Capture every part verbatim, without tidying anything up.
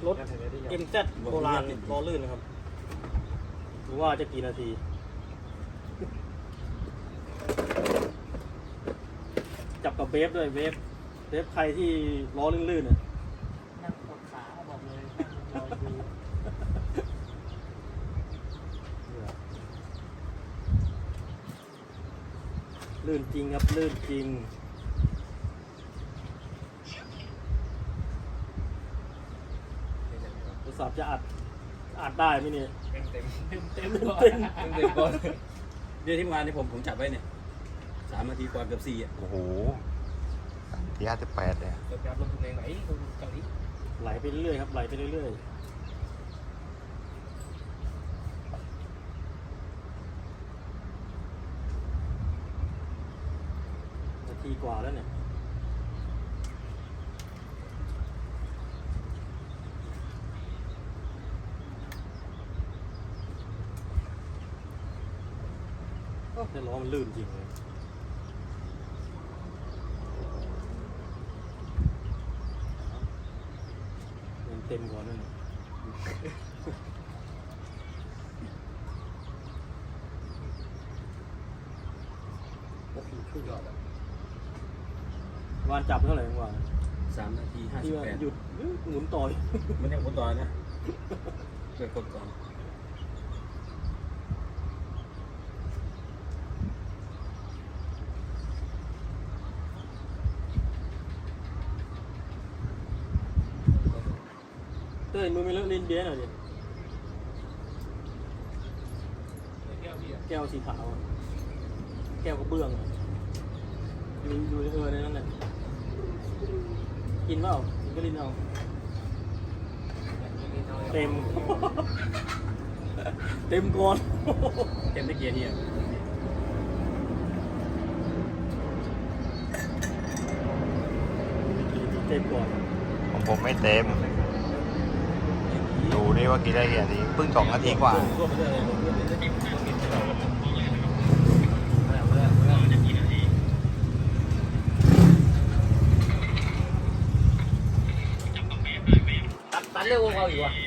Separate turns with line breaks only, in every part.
รถ เอ็ม แซด โบราณล้อลื่นนะครับหรือว่าจะกี่นาทีจับกับเวฟด้วยเวฟเวฟใครที่ล้อลื่นๆเนี่ย
นั่งกดขาบอกเลยนั่งรอดู
ลื่นจริงครับลื่นจริงโทรศัพท์จะอัดอัดได้ไหมเนี่ย
เต็มเต็มเต็มเต็ม
เต็ม
เต็มก่อนเดี๋ยวที่งานที่ผมผมจับไว้เนี่ยสามนาทีกว่าเกือบสี่อ่ะ
โอ้โหสามทีห้าสิบแปดเลย
เดี๋ยวลงทุนเองไหนลงเกาหลี
ไหลไปเรื่อยๆครับไหลไปเรื่อยๆนาทีกว่าแล้วเนี่ยแต่ล้อมันลื่นจริงเลยมันเต็มกว่านั่นน่ะวานจับเท่าไหร่วาน
สามนาทีห้า
ที่
สิบ
ว่า
แปด
หยุดหมุนต่อย
มันยังกดต่อนะเกิดกดก่อน
เต้ยมือไม่เลอะลิ้นเบี้ยหน่อยดิ
แก้วพี่อ่ะ
แก้วสีขาวอะแก้วกระเบื้องอะดูดูเออในนั้นแหละกินเปล่ากินก็ลิ้นเอาเต็ม เต็มก่อน
เต็มได้เกียร์เนี่ย
เต็มก่อน
ของผมไม่เต็ม ดูดิว่ากี่ได้กี่นาทีเพิ่งสองนาทีกว่า
รวมไปเลยรวมไปเลย
ตัดตัดเร็วกว่าเขาอีกว่ะ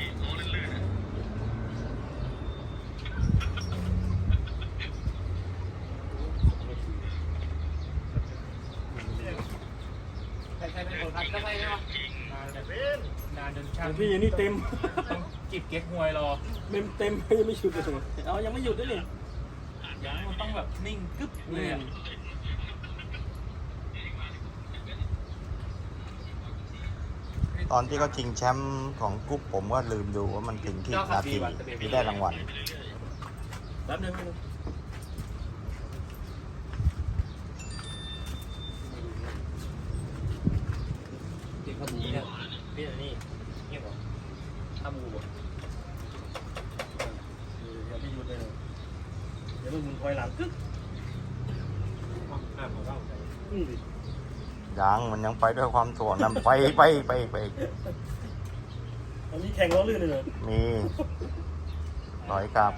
ใครใครเป็นคนพัดก็ใช่ไหมวะนานแต่เป็นนานจน
ข
ช่า
อง งพี่ยังนี่เต็ม
ต้องจิบเก๊กฮวยรอ
เต็มเต็มยังไม่หยุดเลยเอายังไม่หยุดด้วยนี่
อย่างมันต้องแบบนิ่งกึ๊บเลยอ่ะ
ตอนที่เขาชิงแชมป์ของกรุ๊ปผมก็ลืมดูว่ามันถึงกี่นาทีที่ได้รางวัล
แป๊บนึง
ติดข้าวหมู
นี่
เนี่
นะ
ย
พี่อันนี้เงียบเหรอถ้าบูบ่
อย่าไปหยุดเลยเดี๋ยวมันหมุนคอยหลังกึ๊ก
อ่าผมเข้าใจ
อืมดิ
ยังมันยังไปด้วยความถ่วงนำไปไปไปไป
อันนี้แข่งล้อลื่นเลยเหรอ
มีถอยกลับ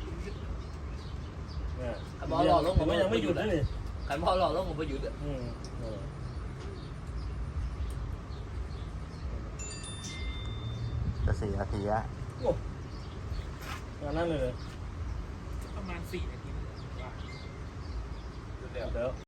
เนี่ย
ขันบอลหล่อลง
ผมว่ายังไม่หยุดนะนี่
ขันบอลหล่อลงผมไปหยุดอ่ะ
อืมเออ
จะสี่นาทีอะ
โอ้งานนั้นเลยเหรอ
ประมาณสี่นาทีว่า
เดี๋ยว